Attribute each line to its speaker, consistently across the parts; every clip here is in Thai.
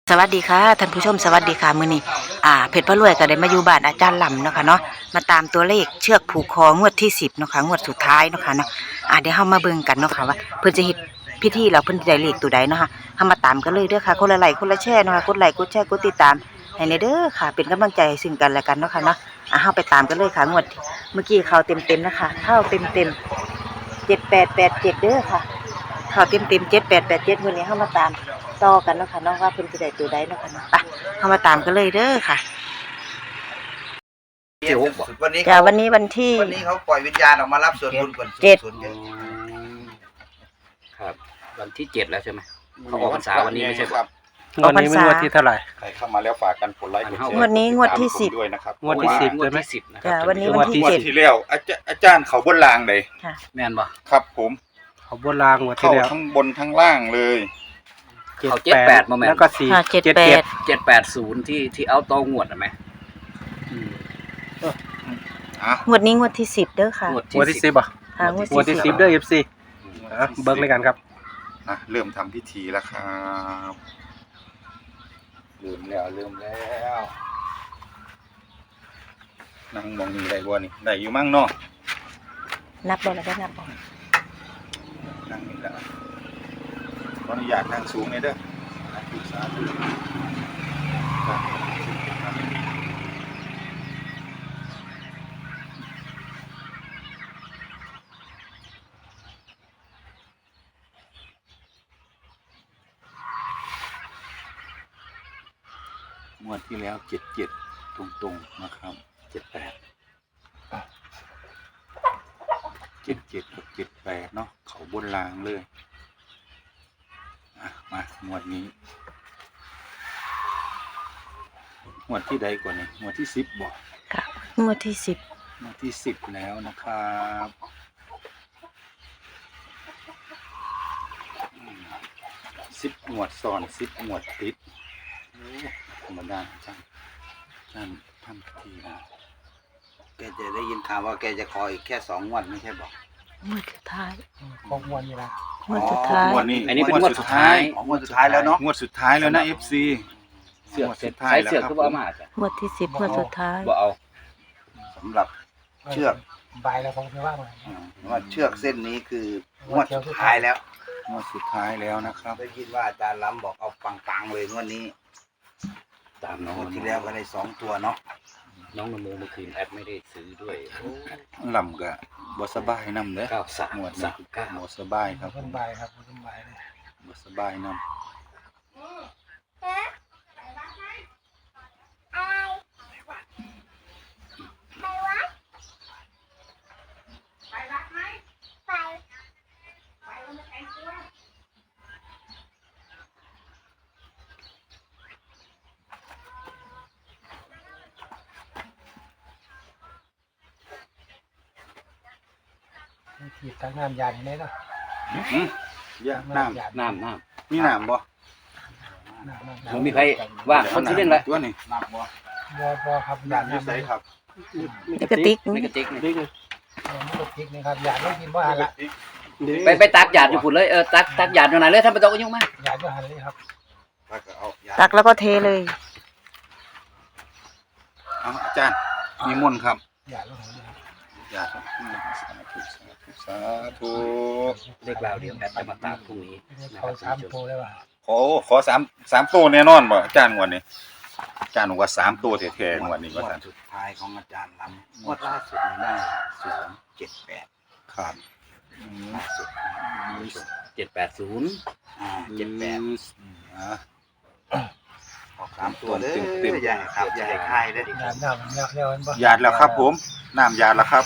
Speaker 1: สวัสดีค่ะท่านผู้ชมสวัสดีค่ะมื้อนี้เพชรพระรวยก็ได้มาอยู่บ้านอาจารย์ลำเนาะค่ะเนาะมาตามตัวเลขเชือกผูกคองวดที่10เนาะค่ะงวดสุดท้ายเนาะค่ะเนาะเดี๋ยวเฮามาเบิ่งกันเนาะค่ะว่าเพิ่นจะเฮ็ดพิธีแล้วเพิ่นจะได้เลขตัวใดเนาะค่ะเฮามาตามกันเลยเด้อค่ะคนละไลค์คนละแชร์เนาะค่ะกดไลค์กดแชร์กดติดตามให้แน่เด้อค่ะเป็นกำลังใจให้ซึ่งกันและกันเนาะค่ะเนาะเฮาไปตามกันเลยค่ะงวดเมื่อกี้เข้าเต็มๆนะคะเข้าเต็มๆ7887เด้อค่ะเข้าเต็มๆ7887มื้อนี้เฮามาตามต่อกันเนาะค่ะเนาะว่าเพิ่นจะได้ตัวใดเนาะค่ะเนาะไปเฮามาตามกันเลยเด้อค่ะ
Speaker 2: วันนี้
Speaker 1: จ้ะวันนี้วันที่
Speaker 2: เขาปล่อยวิญญาณออกมารับส่วนบุญก่อน
Speaker 1: เจ็ด
Speaker 2: ส่วนเยอะ
Speaker 3: ครับวันที่7แล้วใช่ไหมเขาออกพรรษาวันนี้ไม่ใช่ครับ
Speaker 4: วันนี้เป็นงวดที่เท่าไหร่
Speaker 5: ใครเข้ามาแล้วฝากกันกดไลค์กดแชร์
Speaker 1: งวดนี้งวดที่
Speaker 5: ติตามผมด้วยนะครับ
Speaker 4: งวดที่10
Speaker 3: งว
Speaker 4: ใช่
Speaker 3: ด
Speaker 4: ไหม
Speaker 3: ที่10นะครั
Speaker 1: จ้ะวันนี้
Speaker 4: งวดที่
Speaker 5: งวดที่แล้วอาจารย์เขาบนรางเลย
Speaker 1: ค่ะ
Speaker 3: แม่นบ่
Speaker 5: ครับผม
Speaker 4: เขาบนรางงวดที่
Speaker 5: เข้า
Speaker 4: แล้ว
Speaker 5: ทั้งบนทั้งล่างเลย
Speaker 3: เขา78มาแม่น
Speaker 4: แล้วก็4
Speaker 1: ค่ะ
Speaker 3: 780ที่เอาตองวดอ่ะแม่อืม
Speaker 5: อ่ะ
Speaker 1: งวดนี้งวดที่10เด้อค่ะ
Speaker 3: งวด
Speaker 4: งวด
Speaker 3: ที่
Speaker 4: ที่
Speaker 3: 10
Speaker 4: 10อ่ะ
Speaker 1: ค่ะงวด
Speaker 4: งวดที่
Speaker 1: ที่
Speaker 4: 10เด้อ FC เบิ่งเลยกันครับ
Speaker 5: เริ่มทำพิธีแล้วครับเริ่มแล้วนั่งมองนี่ได้บ่นี่ได้อยู่มั่งเนาะ
Speaker 1: นับบ่แล้วก็นับบ่
Speaker 5: นั่งนี่แล้วขออนุญาตนั่งสูงเลยเด้อสาธุงวดที่แล้ว77ตรงๆนะครับ78 77กับ78เนาะเขาบนรางเลยมางวดนี้งวดที่ใดก่อนนี่งวดที่10บ่
Speaker 1: ค่ะงวดที่10
Speaker 5: งวดที่10แล้วนะครับ10งวดซ้อน10งวดติดธรรมดาจังทำพิธีนะ
Speaker 2: แกจะได้ยินข่าวว่าแกจะคอยแค่2 งวดไม่ใช่บอก
Speaker 1: งวดสุดท้าย
Speaker 4: ของวันนี้ละ
Speaker 1: งวดสุดท้าย
Speaker 5: งวดนี้
Speaker 3: อันนี้เป็นงวดสุดท้าย
Speaker 2: ของงวดสุดท้ายแล้วเนาะ
Speaker 5: งวดสุดท้ายแล้วนะ FC
Speaker 3: เสือก
Speaker 5: งวด
Speaker 3: เสร็
Speaker 5: สุ
Speaker 3: จ
Speaker 5: ดท้าย
Speaker 3: ใช้
Speaker 5: แล้ว
Speaker 3: เสือก
Speaker 5: ครับ
Speaker 3: คือบ่เอามาจ้ะ
Speaker 1: งวดที่10งวดสุดท้าย
Speaker 3: บ่เอา
Speaker 2: สำหรับเชือก
Speaker 4: ใบแล้วผมจะว่ามา
Speaker 2: ว่าเชือกเส้นนี้คืองวดสุดท้ายแล้ว
Speaker 5: งวดสุดท้ายแล้วนะครับ
Speaker 2: ได้ยินว่าอาจารย์ล้ำบอกเอาปังๆเลยงวดนี้
Speaker 3: ตามน้อง
Speaker 2: งวดที่แล้วก็ได้2 ตัวเนาะ
Speaker 3: น้องนโมเมื่อคืนแอดไม่ได้ซื้อด้วย
Speaker 5: ลำก็บ่สบายนำเด้อ
Speaker 3: 93
Speaker 5: งวดนี้บ่สบายครับ
Speaker 4: ต้นใบครับต้นใบเลย
Speaker 5: บ่สบายนำ
Speaker 4: ขีดตั้งน้ำยาอย่างนี้เนาะ
Speaker 5: ยาน้ำ
Speaker 3: น้ำ
Speaker 5: มีน้ำบ่
Speaker 3: มันมีใครว่าคนที่เล่นละ
Speaker 5: ตัวนี้
Speaker 2: นับบ่
Speaker 4: บ่ครับยา
Speaker 5: น้ำอยู่ไสครับ
Speaker 1: ในกระติก
Speaker 3: ไม่กระติกนี่
Speaker 4: ไม่ตกพริกนะครับยาไม่กินว่าหันละ
Speaker 3: ไปตักหยาดอยู่พุ่นเลยตักหยาดอยู่ไหนเลยท่านบ่ต้องยุ่งมาก
Speaker 4: ยาจะหันเลยครับ
Speaker 2: แล้วก็เอายา
Speaker 1: ตักแล้วก็เทเลย
Speaker 5: เอาอาจารย์มีมนต์ครับ
Speaker 4: ยาจะหันเลยครับ
Speaker 5: ยาครับสาธุ
Speaker 3: เลขราวเดี๋ยวแอดจะมาตามพรุ่งนี้นะค
Speaker 4: เขา
Speaker 3: รับ
Speaker 4: สาม
Speaker 3: ท่าน
Speaker 4: โต
Speaker 3: ผู้ชม
Speaker 4: ได้ป่ะ
Speaker 5: ขอ3ตัวแน่นอนบ่อาจารย์งวดนี้อาจารย์บอกว่า3ตัวแท้ๆงวดนี้
Speaker 2: ง
Speaker 5: ว่าว
Speaker 2: ด
Speaker 5: ซั่น
Speaker 2: สุดท้ายของอาจารย์ล้ำงวดล่าสุดนี่ได้078
Speaker 5: ครับ
Speaker 2: ล่าสุด
Speaker 3: 780
Speaker 2: 78
Speaker 5: อ่า
Speaker 2: ออก3 ตัวเด้อใหญ่ครับใหญ่ค่ายเด้อย
Speaker 4: าหน้ามันยากแล้วมันบ่
Speaker 5: หยาดแล้วครับผมน้ำหยาดแล้วครับ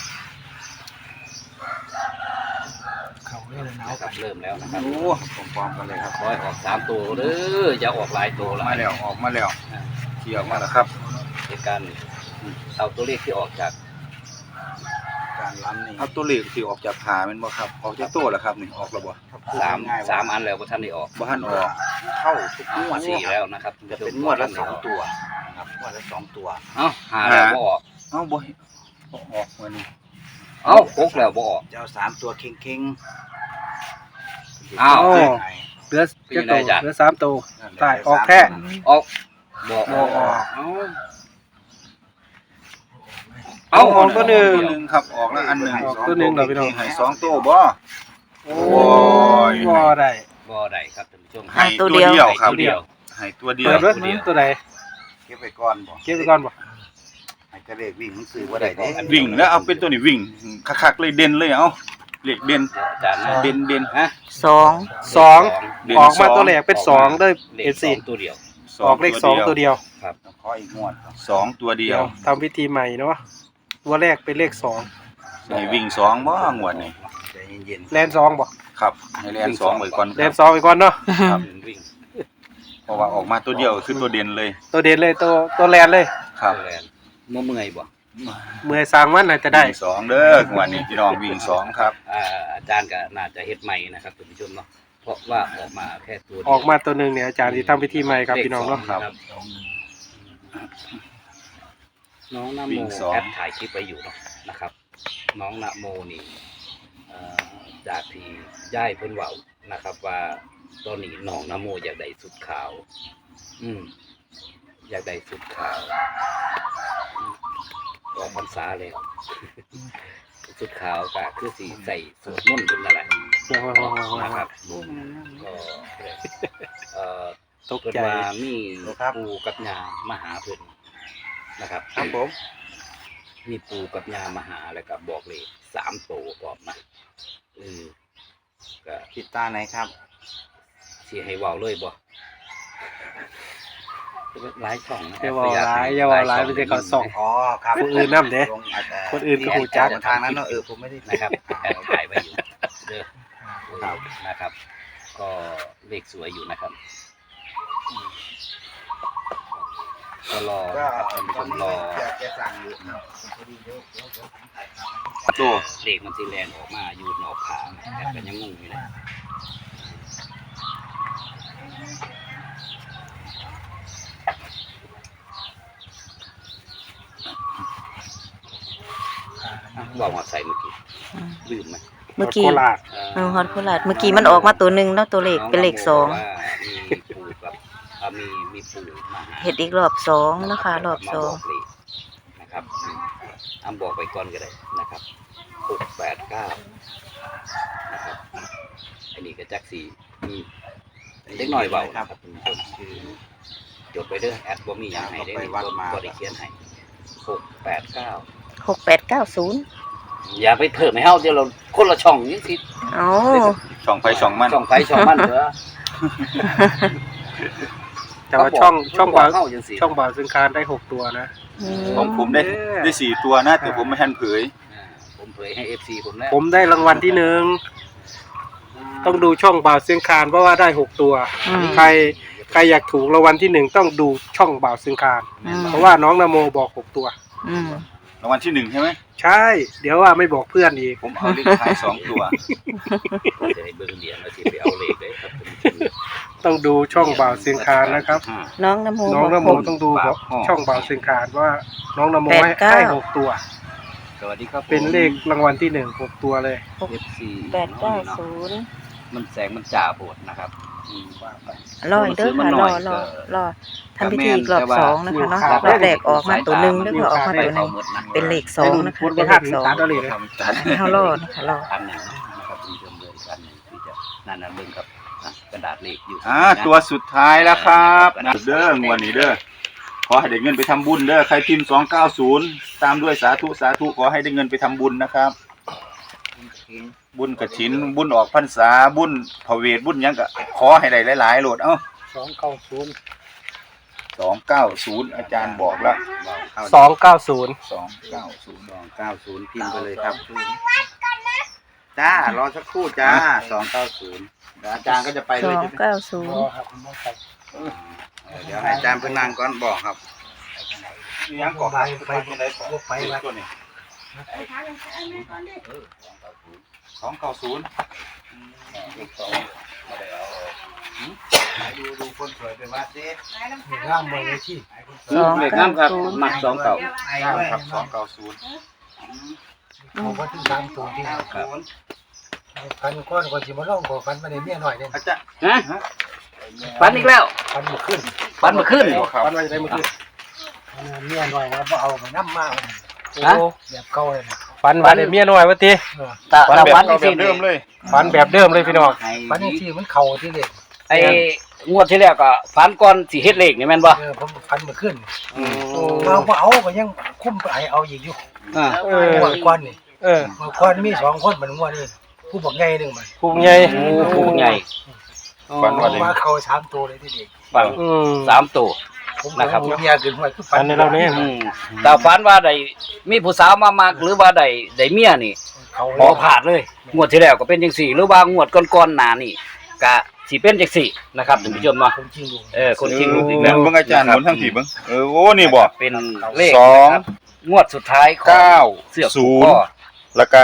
Speaker 4: เขาเลยหนาว
Speaker 3: นะครับเริ่มแล้วนะครับ
Speaker 5: โอ้พร้อมๆกันเลยครับ
Speaker 3: ขอให้ออก3ตัวเด้ออย่าออกหลายตัวหลา
Speaker 5: มาย แล้วออกมาแล้วเที่ยวมาแล้วครับ
Speaker 3: ในการเอาตัวเลขที่ออกจาก
Speaker 2: อาจารย์ล้ำนี่
Speaker 5: เอาตัวเลขที่ออกจากผาแม่นบ่ครับออกจากตัวแล้วครับนี่ออกแล้วบ่
Speaker 3: 3อันแล้วบ่ทันได้ออก
Speaker 5: บ่ทันออก
Speaker 2: เข้าทุกงวด
Speaker 3: 4แล้วนะครับ
Speaker 2: จะเป็นงวดละ2 ตัวนะครับงวดละ2 ตัว
Speaker 3: เอ้า5แล้วบ่ออก
Speaker 5: เอ้าบ่ออกมื้อนี้
Speaker 3: เอ้า6แล้วบ่ออก
Speaker 2: จะเอา3 ตัวเข่งๆ
Speaker 3: อ้าว
Speaker 5: โอ้
Speaker 2: ไง
Speaker 4: เหลือ
Speaker 3: เป็น
Speaker 4: เจ็
Speaker 3: ยั
Speaker 4: ด
Speaker 3: งไง
Speaker 4: ตัว
Speaker 3: จ๊ะ
Speaker 4: เหลือ3ตัวตายออกแท้
Speaker 3: ออกบอกออก
Speaker 4: บอกออก
Speaker 3: เอา
Speaker 4: ออกตัวหนึ่ง
Speaker 5: ตัวหนึ่งครับออกแล้วอันหนึ่ง
Speaker 4: ออกตัวหนึ่งเหรอพี่น้อง
Speaker 5: ให้สองตัวบ่
Speaker 4: โอ้
Speaker 5: ย
Speaker 4: บ่ได้
Speaker 3: บ่ได้ครับท่านผู้ชม
Speaker 5: ให้ตัวเดียวครับ
Speaker 3: ตัวเดียว
Speaker 5: ให้ตัวเดีย
Speaker 4: เปิ
Speaker 5: ว
Speaker 4: ดไว้ตัวใด
Speaker 2: เก็บไปก่อนบ่
Speaker 4: เก็บไว้ก่อนบ่
Speaker 2: ให้กระเลขวิ่งมันซื้อว่าได้เด้
Speaker 5: วิ่งแล้วเอาเป็นตัวนี้วิ่งคักๆเลยเด่นเลยเอาเลขเด่น
Speaker 3: อาจารย์นะ
Speaker 5: เด่นเด่น
Speaker 3: ฮะ
Speaker 1: สอง
Speaker 4: สอง
Speaker 5: เด่น
Speaker 4: ออกมา
Speaker 5: สอง
Speaker 4: ตัวแรกเป็น2เด้อ
Speaker 3: เลข
Speaker 4: FC
Speaker 3: 2ตัวเดียว
Speaker 4: ออกเลข2ตัวเดียว
Speaker 2: ขออีกงวด
Speaker 5: สองตัวเดียว
Speaker 4: ทำพิธีใหม่เนาะตัวแรกเป็นเลข2
Speaker 5: ให้วิ่งสองบ่งวดนี่
Speaker 2: ใจเย็น
Speaker 4: แลน2บ่
Speaker 5: ครับให้แลนสองไว้ก่อน
Speaker 4: แลน2ไปก่อนเนาะ
Speaker 5: ครับ
Speaker 3: วิ่ง
Speaker 5: เพราะว่าออกมาตัวเดียวคือตัวเด่นเลย
Speaker 4: ตัวเด่นเลยตัวแลนเลย
Speaker 5: ครับ
Speaker 3: แลนเมื่อยบ่
Speaker 4: เมื่อยสร้างมันน่าจะได้
Speaker 5: วิ่งสองเด้องวดนี้พี่น้องวิ่งสองครับ
Speaker 3: อาจารย์ก็น่าจะเฮ็ดใหม่นะครับท่านผู้ชมเนาะเพราะว่าออกมาแค่ตัวเดียว
Speaker 4: ออกมาตัวหนึงเนี่ยอาจารย์ที่ทำพิธีใหม่ครับพี่น้องเนาะ
Speaker 3: ครับน้องนโมแอปถ่ายคลิปไปอยู่เนาะนะครับ น้องนโมนี่จากที่ย่ายเพิ่นเว้านะครับ ว่าตอนนี้น้องนโมอยากได้สุดขาว อยากได้สุดขาวออกพรรษาแล้วสุดขาวก็คือสีใส่สวดมนต์เป็นอะไรนะครับก็
Speaker 4: ตก
Speaker 3: เพิ่น
Speaker 4: ใจ
Speaker 3: ว่ามีปูกับยามาหาเพิ่นนะครับ
Speaker 2: ครับผม
Speaker 3: มีปูกับยามาหาแล้วก็บอกเลย3โตออกมาก็
Speaker 2: ติดตาไหนครับ
Speaker 3: สิให้เว้าเลยบ่หลายช่องนะ
Speaker 4: อย่าว่าหลายไม่ใช่เขาส่อง
Speaker 2: อ๋อครับ
Speaker 4: คนอื่นนำเด้ คนอื่นก็หูจัก
Speaker 2: ทางนั้นเนาะผมไม่ได้
Speaker 3: นะครับแอดถ่ายไว้อยู่เด้อนะครับ ก็เลขสวยอยู่นะครับก็รอ
Speaker 2: ก็
Speaker 3: ครับท่านผู้ชมรอ
Speaker 2: จะสั่งอยู่ครับ
Speaker 5: ตัว
Speaker 3: เลขมันสีแรงออกมาอยู่นอกขาแต่ก็ยังงงอยู่นะบอกว่าใส่เมื่อกี้ลืมไหม
Speaker 1: เมื่อกี้
Speaker 4: โคราช
Speaker 1: ฮอตโคราชเมื่อกี้มันออกมาตัวหนึ่งแล้วตัวเลขเป็นเลขสอง
Speaker 3: มีปู่กับมีปู่มาหา
Speaker 1: เห็ดอีกรอบสองนะคะรอบสอง
Speaker 3: มาบกเลขนะครับบอกไปก่อนก็ได้นะครับ689นะครับอันนี้ก็จักสีมีเล็กน้อยเบาครับคุณผู้ชมคือจดไปเด้อแอดบ่มีอย่างให้ได้ในบ่ได้เขียนให้689
Speaker 1: 6890
Speaker 3: อย่าไปเพิ่มให้เฮาเดี๋ยวเราคนละช่องนี่สิ
Speaker 1: เอ้า
Speaker 5: ช่องไฟช่องมัน
Speaker 3: ช่องไฟช่องมันเถอะ
Speaker 4: แต่ว่าช่องบ่าว
Speaker 3: เฮาจังซี่
Speaker 4: ช่องบ่าวซึ่งคานได้6ตัวนะ
Speaker 5: ของผมได้สี่ตัวนะแต่ผมไม่ทันเผย
Speaker 3: ผมเผยให้ FC ผมแล้ว
Speaker 4: ผมได้รางวัลที่1ต้องดูช่องบ่าวเสียงคานเพราะว่าได้6ตัว ใครอยากถูกรางวัลที่1ต้องดูช่องบ่าวเสียงคานเพราะว่าน้องนโมบอก6ตัว
Speaker 5: รางวัลที่หนึ่งใช่ไหม
Speaker 4: ใช่ เดี๋ยวว่าไม่บอกเพื่อนอีก
Speaker 5: ผมเอาเลขท้ายสองตัว
Speaker 3: จะได้เบิ่งเหรียญแล้วสิไปเอาเลขเลยครับ
Speaker 4: ต้องดูช่องบ่าวเสียงคานนะครับ
Speaker 1: น้องนโม
Speaker 4: น้องนโม
Speaker 1: บอก
Speaker 4: ต้องดูช่องบ่าวเสียงคานว่าน้องนโมให้
Speaker 1: 89
Speaker 4: ได้6ตัว
Speaker 3: สวัสดีครับ
Speaker 4: เป็นเลขรางวัลที่6ตัวเลย
Speaker 3: FC
Speaker 1: 890
Speaker 3: มันแสงมันจ่าโบดนะครับ
Speaker 1: รออีกเด้อค่ะรอทำพิธีอีกรอบสองนะคะเนาะรอบแรกออกมาตัวหนึ่งแล้วก็ออกมาตัวหนึ่งเป็นเลขสองนะคะเป็นเลขสอง
Speaker 4: ตัดเอาเลยนะ
Speaker 1: ให้เขารอนะคะรอ
Speaker 3: อันหนึ่งนะครับคุณผู้ชมเลยอันหนึ่งที่จะนั่นเบิ่งกับกระดาษเลขอยู่
Speaker 5: ตัวสุดท้ายแล้วครับเด้องวดนี้เด้อขอให้ได้เงินไปทำบุญเด้อใครพิมพ์290ตามด้วยสาธุขอให้ได้เงินไปทำบุญนะครับ บุญกฐินบุญออกพรรษาบุญพระเวทบุญหยังก็ขอให้ได้หลายๆโหลด290อาจารย์บอกแล้ว
Speaker 4: 290
Speaker 2: 290พิมพ์ไปเลยครับจ้ารอสักครู่จ้า290เดี๋ยวอาจารย์ก็จะไปเลย
Speaker 1: 290
Speaker 2: เดี๋ยวให้อาจารย์เพิ่งนั่งก่อนบอกครับ
Speaker 5: ยังก่อไปตัวนี้290
Speaker 2: ดูคนสวยไปวัดสิ
Speaker 4: ร่างมือที่
Speaker 3: เลขน้ำครับมัก2เก่า
Speaker 5: ครับ290
Speaker 4: ผมว่าที่3ตัวที่
Speaker 3: ครับ
Speaker 4: ฟันก้อนก่อนสิมาลองบ่ฟันมาในเมียหน่อยเนี่ย
Speaker 2: อาจารย์
Speaker 3: ฮะฝันอีกแล้ว
Speaker 4: ฟันบ่ขึ้น
Speaker 3: ฝันเมื่อคืน
Speaker 4: ฟันมาจะได้บ่ขึ้นเมียหน่อยนะบ่เอาไปนำมา
Speaker 3: ฮะ
Speaker 4: แบบเก่าเลยฟันมาในเมียหน่อยว่าติ
Speaker 3: ตา
Speaker 5: ฝัน
Speaker 3: ตา
Speaker 5: แบบ
Speaker 3: ฝัน
Speaker 5: เก่าแบ
Speaker 3: สิ
Speaker 5: บเดิมเลย
Speaker 4: ฟันแบบเดิมเลยพี่น้องฟันที่มันเข้าที่เด็ก
Speaker 3: ไอ้งวดที่แล้วก็ฝันก่อนสิเฮ็ดเลขนี่แม่นบ่
Speaker 4: ผมฟันบ่ขึ้นเราบ่เอาก็ยังคุ้มไปเอาอีกอยู่
Speaker 3: อ่า
Speaker 4: งวดก่อนนี่งวดก่อนมี2คนมันงวดนี้ผู้บักใหญ่นึงมัน
Speaker 6: ภูมิใหญ่
Speaker 3: โอ้ผู้ใหญ่
Speaker 5: ฝันว่าได้
Speaker 4: มาเข้า3ตัวเลยที่เด็ก
Speaker 3: ฝัน3ตัว
Speaker 4: ผม
Speaker 3: นะครับ
Speaker 4: เมียขึ้นห้วยคือฟั
Speaker 6: อันนี้เราเนี่ย
Speaker 3: อืมแต่ฝันว่าได้มีผู้สาวมามักหรือว่าได้เมียนี่
Speaker 4: เขา
Speaker 3: บ่พลาดเลย งวดที่แล้วก็เป็นจังซี่หรือว่างวดก่อนๆหน้านี่ก็สิเป็นจังซี่นะครับท่านผู้ชมเนาะ
Speaker 4: คนจริงอยู่
Speaker 3: คนชิงลูกอีกแล้ว
Speaker 5: เบิ่งอาจารย์หมุนทั้งผีเบิ่งโอ้นี่บ่
Speaker 3: เป็นเลข
Speaker 5: สอง
Speaker 3: นะครับงวดสุดท้ายของ
Speaker 5: เก้า
Speaker 3: เสือก
Speaker 5: ศู
Speaker 3: ผูก
Speaker 5: นย์
Speaker 3: ข้อ
Speaker 5: แล้วก็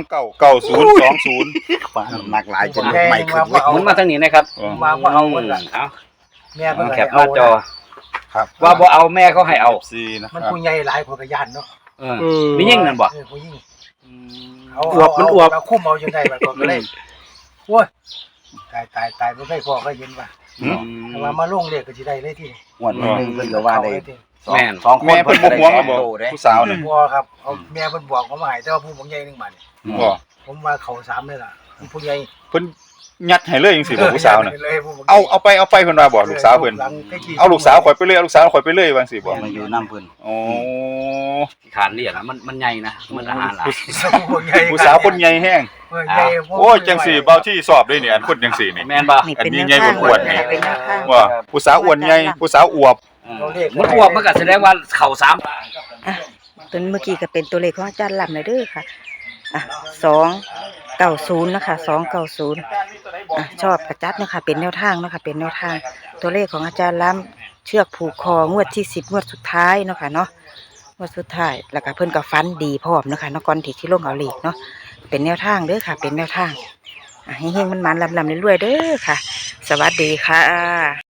Speaker 5: 299020
Speaker 2: หนักหลายจนไม่ขึ้น
Speaker 3: หมุนมาทางนี้นะครับ
Speaker 4: มาบ่เอาคนละ
Speaker 3: เอา
Speaker 4: แม่เพิ่น
Speaker 3: แคปหน้าจอ
Speaker 2: ครับ
Speaker 3: ว่าบ่เอาแม่เขาให้เอา
Speaker 5: ซีนะค
Speaker 4: มัน
Speaker 5: รับ
Speaker 4: ผู้ใหญ่หลายคนก็ย่านเนาะ
Speaker 3: เออมียิ่งนั่นบ่
Speaker 4: ผู้หญิง
Speaker 6: อวบมันอวบ
Speaker 4: เราคุ้มเอาจังได๋บัดก็เลยโอ้ยตายบ่ได้พอก็เห็นว่า
Speaker 5: อืม
Speaker 4: แต่ว่ามาลงเลขก็สิได้เลยที่
Speaker 2: งวดนึงเพิ่นก็ว่าได้
Speaker 3: แม่น
Speaker 2: สองคน
Speaker 5: แม่เพิ่นบ่ห่วงแล้วบ่
Speaker 2: โตเด้
Speaker 5: ผู้สาวน่ะ
Speaker 4: บ่ครับเอาแม่เพิ่นบอกผมมาให้แต่ว่าผู้บักใหญ่นึงบัด
Speaker 5: บ่
Speaker 4: ผมว่าเขา3เลยล่ะผู้ใหญ่
Speaker 5: เพิ่นยัดให้เลยจังซี่บ่ผู้สาวน่ะ
Speaker 4: เลยผู้บักใหญ่
Speaker 5: เอาไปเพิ่นว่าบ่ลูกสาวเพิ่นเอาลูกสาวข่อยไปเลยเอาลูกสาวข่อยไปเลยว่าจังซี่บ่
Speaker 2: มาอยู่น้ำเพิ่น
Speaker 5: โอ้
Speaker 3: ที่ขานเรียกนะมันใหญ่นะมันอาหารหลาย
Speaker 4: ผู้ใหญ่
Speaker 5: ผู้สาวคนใหญ่แห้ง
Speaker 4: ใหญ่
Speaker 5: โอ้ยจังสี่เบาที่สอบเลยเนี่ยอันคนจังสี่นี่
Speaker 3: แม่นบ่
Speaker 1: นี่เป็น
Speaker 5: อันนี้
Speaker 1: แนวทาง
Speaker 5: ใหญ่กว่าอ้วนนี่
Speaker 1: เป็นแนวทาง
Speaker 5: ว่าผู้สาวอ้วนใหญ่ผู้สาวอวบ
Speaker 3: มันอ้วกมันก็แสดงว่าเข่า3
Speaker 1: อ่ะตัวเมื่อกี้ก็เป็นตัวเลขของอาจารย์ลำเลยเด้อค่ะอ่ะ290นะคะ290อ่ะชอบกระจัดนะคะเป็นแนวทางนะคะเป็นแนวทางตัวเลขของอาจารย์ลำเชือกผูกคองวดที่10งวดสุดท้ายเนาะค่ะเนาะงวดสุดท้ายแล้วก็เพิ่นก็ฟันดีพร้อมเนาะค่ะเนาะก่อนที่ลงเอาเลขเนาะเป็นแนวทางเด้อค่ะ เป็นแนวทางอ่ะเฮงๆมันๆลำๆรวยๆเด้อค่ะ สวัสดีค่ะ